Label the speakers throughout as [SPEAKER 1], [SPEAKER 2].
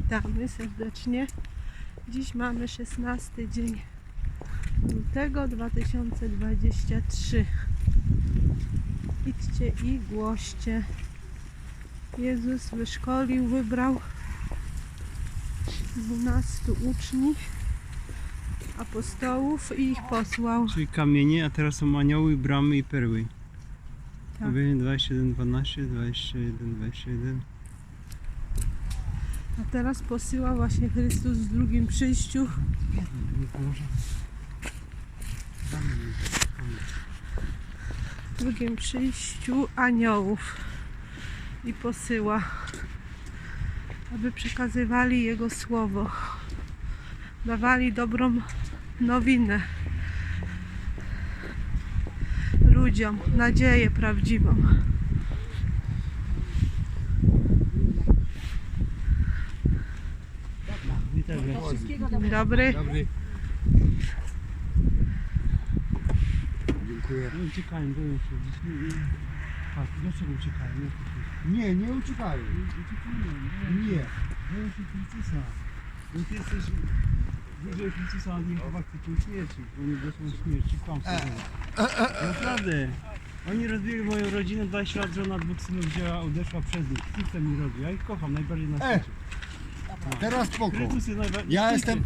[SPEAKER 1] Witamy serdecznie. Dziś mamy 16 dzień lutego 2023. Idźcie i głoście. Jezus wyszkolił, wybrał 12 uczniów, apostołów i ich posłał.
[SPEAKER 2] Czyli kamienie, a teraz są anioły, bramy i perły.
[SPEAKER 1] Tak.
[SPEAKER 2] Objawienie 21, 12, 21, 21.
[SPEAKER 1] A teraz posyła właśnie Chrystus w drugim przyjściu. W drugim przyjściu aniołów i posyła, aby przekazywali Jego słowo, dawali dobrą nowinę ludziom, nadzieję prawdziwą. Dzień dobry.
[SPEAKER 3] Dobry. Dziękuję.
[SPEAKER 2] No uciekają, boją się. Patrz, dlaczego uciekają?
[SPEAKER 3] Nie, nie uciekają. Nie.
[SPEAKER 2] Boją się Chrystusa. Bo ty jesteś bliżej Chrystusa, a nie chyba chcecie śmierci. Bo nie doszło śmierci, kłamstwo. Naprawdę. Oni rozbili moją rodzinę, 20 lat, żona dwóch synów wzięła, odeszła przez nich. Chcę mi robi. Ja ich kocham najbardziej na świecie.
[SPEAKER 3] Teraz spoko.
[SPEAKER 2] Chrystus jest najbardziej.
[SPEAKER 3] Ja jestem...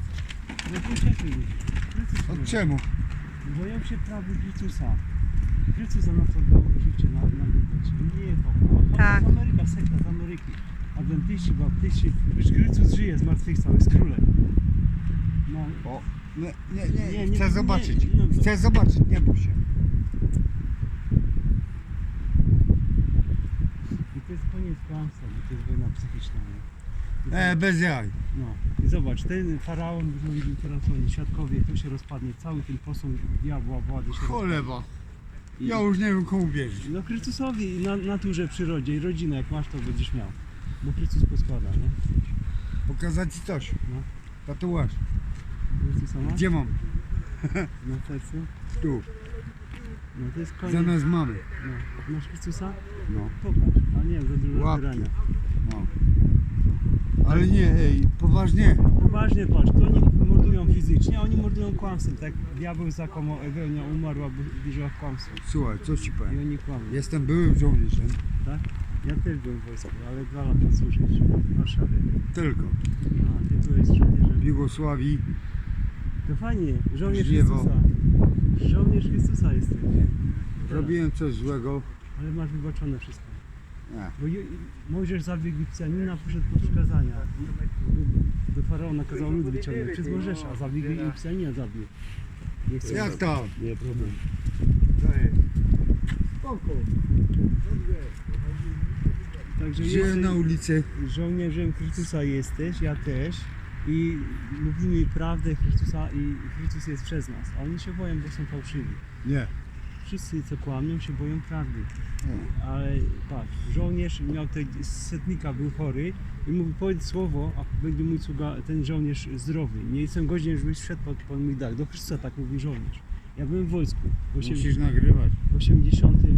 [SPEAKER 3] Od czemu?
[SPEAKER 2] Boją się prawy Chrystusa. Chrystus za nas oddał życie na ludość. Nie po.
[SPEAKER 1] Tak.
[SPEAKER 2] Z Ameryka, sekta z Ameryki. Adwentyści, baptyści. Wiesz, Chrystus żyje, zmartwychwstał, jest królem. No.
[SPEAKER 3] O, nie,
[SPEAKER 2] Nie,
[SPEAKER 3] chcę
[SPEAKER 2] nie,
[SPEAKER 3] zobaczyć.
[SPEAKER 2] nie.
[SPEAKER 3] Chcę zobaczyć, nie bój się.
[SPEAKER 2] I to jest koniec kłamstwa, bo to jest wojna psychiczna. Nie?
[SPEAKER 3] Bez jaj.
[SPEAKER 2] No. I zobacz, ten faraon rządził, teraz oni, świadkowie, to się rozpadnie, cały ten posąg diabła, władzy się rozpadnie.
[SPEAKER 3] Choleba.
[SPEAKER 2] I-
[SPEAKER 3] Ja już nie wiem komu wierzyć.
[SPEAKER 2] No Chrystusowi, naturze, przyrodzie i rodzinę, jak masz, to będziesz miał. Bo Chrystus poskłada, nie?
[SPEAKER 3] Pokazać ci coś.
[SPEAKER 2] No.
[SPEAKER 3] Tatuaż.
[SPEAKER 2] Chrystusa ma?
[SPEAKER 3] Gdzie mam?
[SPEAKER 2] Na sercu?
[SPEAKER 3] Tu.
[SPEAKER 2] No to jest koniec.
[SPEAKER 3] Zamiast mamy.
[SPEAKER 2] No. Masz Chrystusa?
[SPEAKER 3] No.
[SPEAKER 2] Pokaż. A nie, za dużo
[SPEAKER 3] Łapki.
[SPEAKER 2] zbierania.
[SPEAKER 3] No. Ale nie, poważnie.
[SPEAKER 2] Poważnie patrz, to oni mordują fizycznie, a oni mordują kłamstwem. Tak diabeł zakłamał Ewelnia, umarła, bo wierzyła w kłamstwo.
[SPEAKER 3] Słuchaj, co ci
[SPEAKER 2] I
[SPEAKER 3] powiem.
[SPEAKER 2] oni kłamią,
[SPEAKER 3] Jestem byłym żołnierzem.
[SPEAKER 2] tak? Ja też byłem w wojsku, ale 2 lata służyć w Warszawie.
[SPEAKER 3] Tylko.
[SPEAKER 2] A ty byłeś żołnierzem.
[SPEAKER 3] W Jugosławii.
[SPEAKER 2] To fajnie, żołnierz
[SPEAKER 3] Żniewo.
[SPEAKER 2] Chrystusa. Żołnierz Chrystusa jesteś.
[SPEAKER 3] Robiłem coś złego.
[SPEAKER 2] Ale masz wybaczone wszystko.
[SPEAKER 3] Nie.
[SPEAKER 2] Bo Mojżesz zabił Egipcjanina, poszedł po przykazania. Do faraona kazał lud wyciągnąć przez Mojżesza, a zabił Egipcjanina zabił. Nie chcę.
[SPEAKER 3] Jak tam?
[SPEAKER 2] Nie problem.
[SPEAKER 3] Spoko.
[SPEAKER 2] Także
[SPEAKER 3] Żyłem
[SPEAKER 2] jesteś
[SPEAKER 3] na ulicy.
[SPEAKER 2] żołnierzem Chrystusa jesteś, ja też. I mówimy prawdę Chrystusa i Chrystus jest przez nas. A oni się boją, bo są fałszywi.
[SPEAKER 3] Nie.
[SPEAKER 2] Wszyscy co kłamią się boją prawdy. Ale patrz, żołnierz miał tego setnika, był chory i mówi powiedz słowo, a będzie mój sługa, ten żołnierz zdrowy. Nie jestem godzien, żebyś wszedł pod mój dach. Do Chrystusa tak mówi żołnierz. Ja byłem w wojsku w
[SPEAKER 3] Musisz nagrywać.
[SPEAKER 2] 85.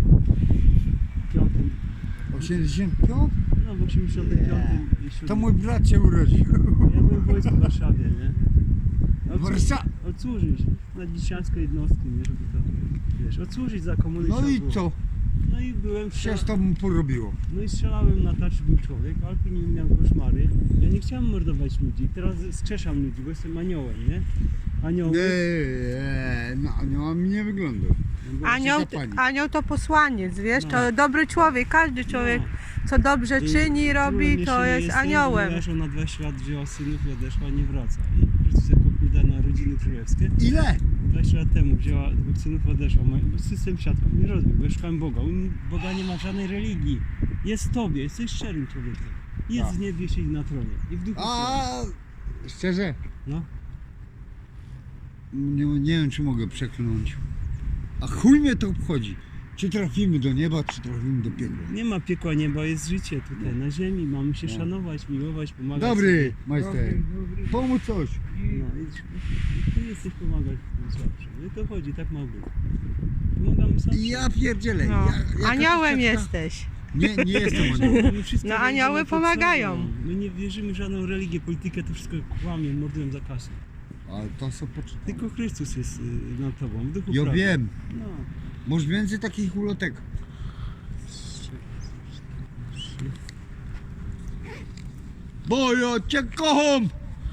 [SPEAKER 3] 85?
[SPEAKER 2] No w 85 i 7.
[SPEAKER 3] To mój brat się urodził.
[SPEAKER 2] Ja byłem w wojsku w Warszawie, nie? Odsłużyć na dziecięskie jednostki, nie? Żeby to, wiesz, odsłużyć za komuny.
[SPEAKER 3] No
[SPEAKER 2] trzeba
[SPEAKER 3] i
[SPEAKER 2] było.
[SPEAKER 3] co?
[SPEAKER 2] No i byłem
[SPEAKER 3] Się z tobą porobiło.
[SPEAKER 2] No i strzelałem na tarczy, był człowiek, alpin miał koszmary. Ja nie chciałem mordować ludzi, teraz skrzeszam ludzi, bo jestem aniołem, nie? Anioły.
[SPEAKER 3] No aniołami nie wygląda.
[SPEAKER 1] Anioł to posłaniec, wiesz,
[SPEAKER 2] No.
[SPEAKER 1] to dobry człowiek, każdy człowiek, co dobrze czyni, robi, to jest aniołem.
[SPEAKER 2] Moja żona 20 lat wzięła synów i odeszła, nie wraca. I Chrystus jako da na rodziny królewskie.
[SPEAKER 3] Ile?
[SPEAKER 2] 20 lat temu wzięła 2 synów, odeszła. Bo system świadków nie rozbił, bo ja szukałem Boga. Boga nie ma żadnej religii. Jest w tobie, jesteś szczerym człowiekiem. Jest w niebie, siedzi na tronie. I w duchu.
[SPEAKER 3] A szczerze?
[SPEAKER 2] No.
[SPEAKER 3] Nie wiem czy mogę przekląć. A chuj mnie to obchodzi. Czy trafimy do nieba, czy trafimy do piekła.
[SPEAKER 2] Nie ma piekła, nieba, jest życie tutaj na ziemi. Mamy się szanować, miłować, pomagać.
[SPEAKER 3] Dobry,
[SPEAKER 2] sobie.
[SPEAKER 3] majster. Pomóc coś.
[SPEAKER 2] No i ty jesteś pomagać tym słabszym. No i to chodzi, tak ma być. Pomagamy słabszym.
[SPEAKER 3] Ja pierdzielę.
[SPEAKER 1] No.
[SPEAKER 3] Jaka
[SPEAKER 1] Aniołem
[SPEAKER 3] troszeczka-
[SPEAKER 1] jesteś.
[SPEAKER 3] Nie jestem aniołem.
[SPEAKER 2] My wszystkie
[SPEAKER 1] No,
[SPEAKER 2] religie
[SPEAKER 1] anioły
[SPEAKER 2] na to
[SPEAKER 1] pomagają.
[SPEAKER 2] są. My nie wierzymy w żadną religię, politykę, to wszystko kłamie, mordują za kasę.
[SPEAKER 3] Ale to są poczytane.
[SPEAKER 2] Tylko Chrystus jest nad tobą, w duchu
[SPEAKER 3] Ja
[SPEAKER 2] prawdy.
[SPEAKER 3] wiem.
[SPEAKER 2] No.
[SPEAKER 3] Masz więcej takich ulotek. Bo ja cię kocham!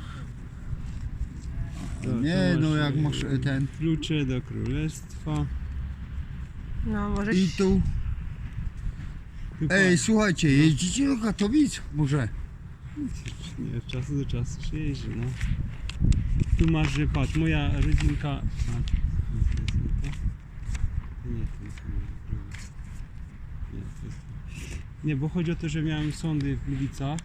[SPEAKER 2] To
[SPEAKER 3] Nie, no
[SPEAKER 2] masz,
[SPEAKER 3] jak masz ten...
[SPEAKER 2] Klucze do królestwa.
[SPEAKER 1] No, może
[SPEAKER 3] I tu...
[SPEAKER 2] Chyba,
[SPEAKER 3] Ej, słuchajcie, jeździcie do Katowic? Może?
[SPEAKER 2] nie, od czasu do czasu się jeździ, no. Tu masz, że patrz, moja rodzinka... A, nie, to jest nie to. To nie, to jest nie, to jest... Nie, bo chodzi o to, że miałem sądy w Gliwicach,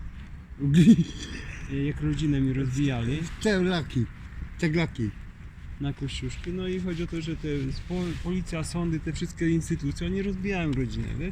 [SPEAKER 2] jak rodzinę mi rozwijali
[SPEAKER 3] Ceglaki.
[SPEAKER 2] na Kościuszki, no i chodzi o to, że te policja, sądy, te wszystkie instytucje, oni rozbijają rodzinę, wiesz?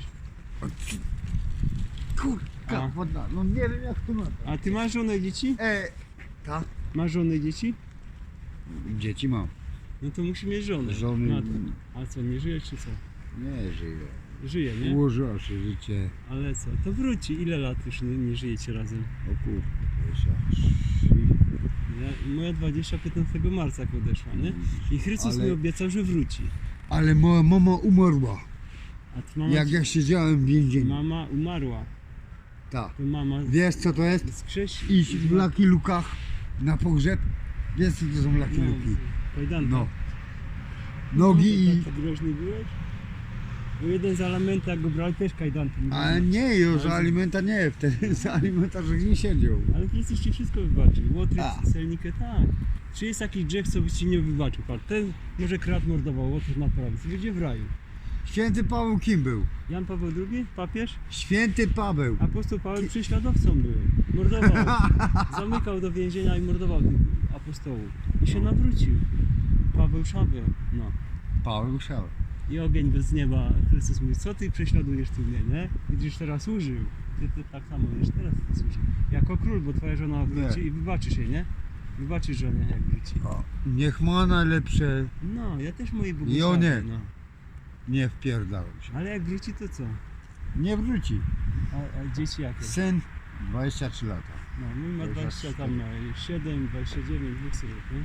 [SPEAKER 3] Kurka,
[SPEAKER 2] A.
[SPEAKER 3] woda. No nie wiem jak to ma.
[SPEAKER 2] A ty masz żonę, dzieci?
[SPEAKER 3] Tak?
[SPEAKER 2] Masz żonę, dzieci?
[SPEAKER 3] Dzieci mam.
[SPEAKER 2] No to musi mieć żonę.
[SPEAKER 3] Żony
[SPEAKER 2] No to, a co, nie żyje czy co?
[SPEAKER 3] nie żyje.
[SPEAKER 2] Żyje, nie?
[SPEAKER 3] Ułożyła się życie.
[SPEAKER 2] Ale co, to wróci. Ile lat już nie żyjecie razem?
[SPEAKER 3] O kurwa, 23.
[SPEAKER 2] Moja 15 marca jak odeszła, nie? I Chrystus
[SPEAKER 3] Ale-
[SPEAKER 2] mi obiecał, że wróci.
[SPEAKER 3] Ale moja mama umarła.
[SPEAKER 2] A ty mama,
[SPEAKER 3] Jak ja siedziałem w więzieniu.
[SPEAKER 2] mama umarła.
[SPEAKER 3] Tak.
[SPEAKER 2] To mama
[SPEAKER 3] Wiesz co to jest?
[SPEAKER 2] skrzesi.
[SPEAKER 3] Iść w Lucky Lukach na pogrzeb. Wiesz co to są Lucky Luki?
[SPEAKER 2] Kajdanka.
[SPEAKER 3] No. Nogi i...
[SPEAKER 2] Tak groźny byłeś? Bo jeden z alimenta, jak go brał, też kajdanki.
[SPEAKER 3] Ale nie, już za alimenta nie, wtedy za alimenta żeś nie siedział.
[SPEAKER 2] Ale Chrystus ci wszystko wybaczył. Łotry,
[SPEAKER 3] A.
[SPEAKER 2] celnikę, tak. Czy jest jakiś grzech, co byś ci nie wybaczył? Patrz, ten może krat mordował, Łotr na prawicy, będzie w raju.
[SPEAKER 3] Święty Paweł kim był?
[SPEAKER 2] Jan Paweł II, papież?
[SPEAKER 3] Święty Paweł.
[SPEAKER 2] Apostoł Paweł prześladowcą był. Mordował. Zamykał do więzienia i mordował tych apostołów. I się nawrócił. Paweł Szabel. No.
[SPEAKER 3] Paweł Szał.
[SPEAKER 2] I ogień bez nieba. Chrystus mówi, co ty prześladujesz tu mnie, nie? Widzisz, teraz służył. Ty tak samo wiesz, teraz służył. Jako król, bo twoja żona wróci i wybaczysz jej, nie? Wybaczysz żonie, jak wróci.
[SPEAKER 3] Niech ma najlepsze,
[SPEAKER 2] No, ja też mojej
[SPEAKER 3] I
[SPEAKER 2] błogosławię.
[SPEAKER 3] o nie.
[SPEAKER 2] No.
[SPEAKER 3] nie wpierdalał się.
[SPEAKER 2] Ale jak wróci, to co?
[SPEAKER 3] Nie wróci.
[SPEAKER 2] A dzieci jakie?
[SPEAKER 3] Syn 23 lata.
[SPEAKER 2] No, mój ma 20, tam ma 7, 29, dwóch synów, nie?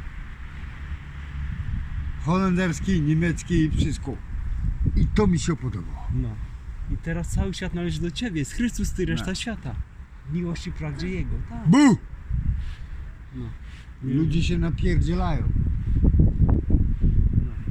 [SPEAKER 3] Holenderski, niemiecki, wszystko. I to mi się podobało.
[SPEAKER 2] No. I teraz cały świat należy do Ciebie. Jest Chrystus, Ty, reszta
[SPEAKER 3] No.
[SPEAKER 2] świata. W miłości prawdzie Jego, tak.
[SPEAKER 3] Bu!
[SPEAKER 2] No. Nie-
[SPEAKER 3] Ludzie się napierdzielają.
[SPEAKER 2] No,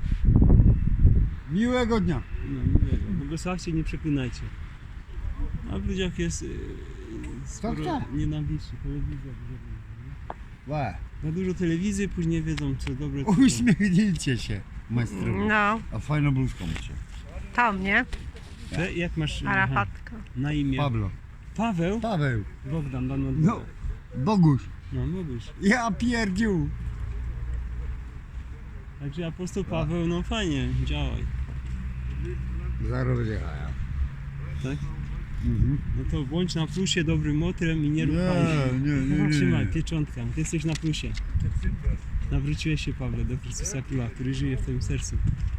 [SPEAKER 3] Miłego dnia.
[SPEAKER 2] no miłego. Błogosławcie, nie przeklinajcie. A w ludziach jest sporo
[SPEAKER 3] tak.
[SPEAKER 2] nienawiści. Telewizja dużo mówi, nie?
[SPEAKER 3] Łe.
[SPEAKER 2] Za dużo telewizji, później wiedzą, co dobre, co złe.
[SPEAKER 3] Uśmiechnijcie się, majstrowie.
[SPEAKER 1] No,
[SPEAKER 3] A fajną bluzką macie.
[SPEAKER 1] tam, nie?
[SPEAKER 2] Jak masz
[SPEAKER 1] Arafatka.
[SPEAKER 2] na imię?
[SPEAKER 3] Pablo.
[SPEAKER 2] Paweł?
[SPEAKER 3] Paweł.
[SPEAKER 2] Bogdan, Dan od
[SPEAKER 3] No.
[SPEAKER 2] Boga.
[SPEAKER 3] Boguś.
[SPEAKER 2] No, mówisz.
[SPEAKER 3] Ja pierdziu.
[SPEAKER 2] Także apostoł Paweł, no fajnie, działaj.
[SPEAKER 3] Zaraz będzie haja.
[SPEAKER 2] Tak?
[SPEAKER 3] Mhm.
[SPEAKER 2] No to bądź na plusie dobrym motrem i nie ruchaj się.
[SPEAKER 3] Nie.
[SPEAKER 2] Trzymaj, pieczątka, ty jesteś na plusie. Nawróciłeś się, Pawle, do Chrystusa Króla, który żyje w twoim sercu.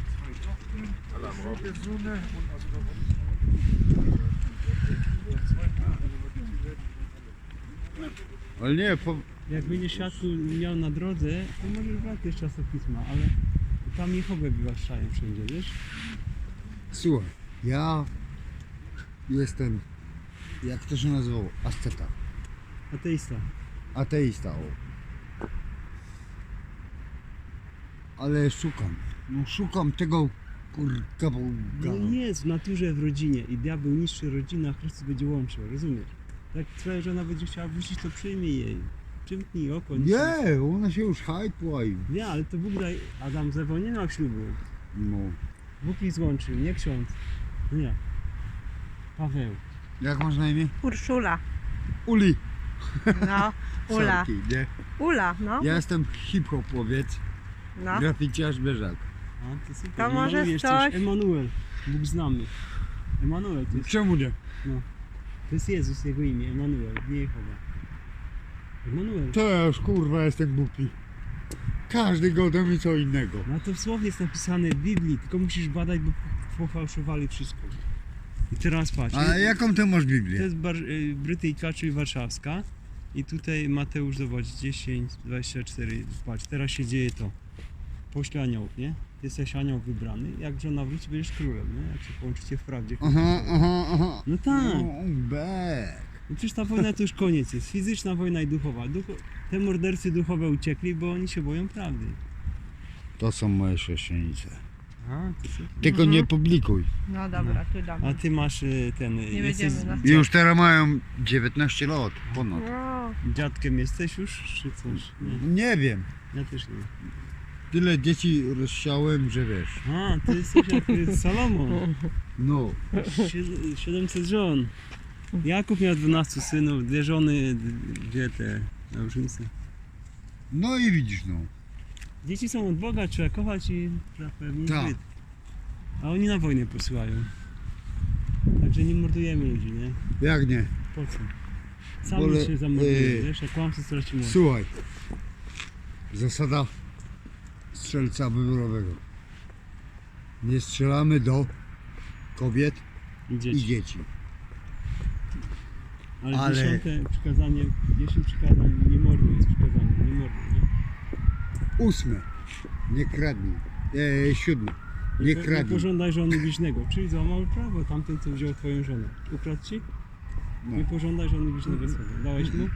[SPEAKER 3] Ale nie,
[SPEAKER 2] Jak będziesz światło miał na drodze, to możesz brać też czasopisma, ale tam Jehowę wywłaszczają wszędzie, wiesz?
[SPEAKER 3] słuchaj, ja jestem, jak to się nazywało, asceta,
[SPEAKER 2] Ateista.
[SPEAKER 3] ateista, o. Ale szukam tego kurka Boga.
[SPEAKER 2] No jest w naturze, w rodzinie i diabeł niszczy rodzinę, a Chrystus będzie łączył, rozumiesz? Jak twoja żona będzie chciała wrócić, to przyjmij jej. Przymknij oko. nic
[SPEAKER 3] Nie, ona się już hajtła i
[SPEAKER 2] Nie, ale to Bóg daj, Adam z Ewą nie miał ślubu.
[SPEAKER 3] no.
[SPEAKER 2] Bóg ich złączył, nie ksiądz. Nie. Paweł.
[SPEAKER 3] Jak masz na imię?
[SPEAKER 1] Urszula.
[SPEAKER 3] Uli.
[SPEAKER 1] No, Ula.
[SPEAKER 3] Sorki, nie?
[SPEAKER 1] Ula, no.
[SPEAKER 3] Ja jestem hip-hopowiec,
[SPEAKER 1] No.
[SPEAKER 3] graficiarz Bieżak.
[SPEAKER 2] A, to super.
[SPEAKER 1] To
[SPEAKER 2] I
[SPEAKER 1] może
[SPEAKER 2] malujesz
[SPEAKER 1] coś?
[SPEAKER 2] też Emanuel. Bóg znamy. Emanuel
[SPEAKER 3] Czemu nie?
[SPEAKER 2] to jest Jezus, jego imię. Emanuel, nie Jehowa. Emanuel.
[SPEAKER 3] To ja już kurwa jestem głupi. Każdy goda mi co innego.
[SPEAKER 2] No to w słowie jest napisane w Biblii, tylko musisz badać, bo pofałszowali wszystko. I teraz patrz.
[SPEAKER 3] A jaką ty masz
[SPEAKER 2] To
[SPEAKER 3] Biblię?
[SPEAKER 2] jest Brytyjka, czyli warszawska. I tutaj Mateusz, zobacz, 10, 24. Patrz, teraz się dzieje to. Pośle aniołów, nie? Jesteś anioł wybrany. Jak żona wróci, będziesz królem, nie? Jak się połączycie w prawdzie.
[SPEAKER 3] Aha.
[SPEAKER 2] No tak.
[SPEAKER 3] No, bek.
[SPEAKER 2] No przecież ta wojna to już koniec jest. Fizyczna wojna i duchowa. Te mordercy duchowe uciekli, bo oni się boją prawdy.
[SPEAKER 3] To są moje chrześcijanice.
[SPEAKER 2] A, ty co?
[SPEAKER 3] Tylko nie publikuj.
[SPEAKER 1] No dobra, tu dam.
[SPEAKER 2] A ty masz ten...
[SPEAKER 1] Nie
[SPEAKER 2] jesteś
[SPEAKER 1] będziemy na-
[SPEAKER 3] Już teraz mają 19 lat, ponad.
[SPEAKER 1] No,
[SPEAKER 2] dziadkiem jesteś już, czy coś? Nie,
[SPEAKER 3] Nie wiem.
[SPEAKER 2] ja też nie.
[SPEAKER 3] Tyle dzieci rozsiałem, że wiesz.
[SPEAKER 2] A, ty jesteś jak Salomon.
[SPEAKER 3] No.
[SPEAKER 2] 700 żon. Jakub miał 12 synów, 2 żony, 2 te małżeńce.
[SPEAKER 3] No i widzisz, no.
[SPEAKER 2] Dzieci są od Boga, trzeba kochać i zapewnić
[SPEAKER 3] Tak.
[SPEAKER 2] byt. A oni na wojnę posyłają. Także nie mordujemy ludzi, nie?
[SPEAKER 3] Jak nie?
[SPEAKER 2] Po co? Sami
[SPEAKER 3] Wolę,
[SPEAKER 2] się zamordujemy, wiesz, jak kłamstwo straci moc.
[SPEAKER 3] Słuchaj. Zasada strzelca wyborowego. Nie strzelamy do kobiet
[SPEAKER 2] I
[SPEAKER 3] i
[SPEAKER 2] dzieci.
[SPEAKER 3] dzieci.
[SPEAKER 2] Ale 10 przykazanie, 10 przykazań, nie morduj jest przykazanie, nie morduj, nie?
[SPEAKER 3] 8. Nie kradnij. 7. Nie
[SPEAKER 2] Nie
[SPEAKER 3] kradnij.
[SPEAKER 2] pożądaj żony bliźnego, czyli złamał prawo, tamten co wziął twoją żonę. Ukradł ci?
[SPEAKER 3] No.
[SPEAKER 2] Nie pożądaj żony bliźnego swego. Dałeś mu?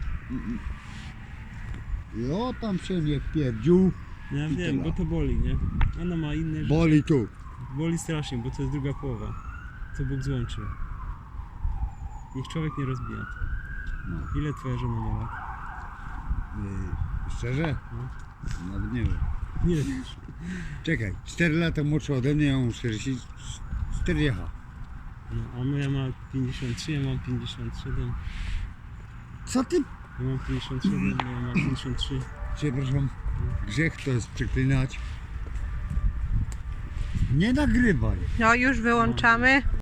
[SPEAKER 3] I o tam się nie wpierdził.
[SPEAKER 2] Ja
[SPEAKER 3] I
[SPEAKER 2] wiem,
[SPEAKER 3] tyle.
[SPEAKER 2] bo to boli, nie? Ona ma inne rzeczy.
[SPEAKER 3] Boli tu.
[SPEAKER 2] Boli strasznie, bo to jest druga połowa, co Bóg złączył. Niech człowiek nie rozbija.
[SPEAKER 3] No.
[SPEAKER 2] Ile twoja żona ma lat?
[SPEAKER 3] Szczerze?
[SPEAKER 2] No.
[SPEAKER 3] Nawet nie wiem.
[SPEAKER 2] Nie wiesz.
[SPEAKER 3] Czekaj, 4 lata młodsza ode mnie, ja mam 40.
[SPEAKER 2] No, a moja ma 53, ja mam 57.
[SPEAKER 3] Co ty?
[SPEAKER 2] Ja mam 57, moja ma 53.
[SPEAKER 3] Przepraszam, grzech to jest przeklinać. Nie nagrywaj.
[SPEAKER 1] no już wyłączamy.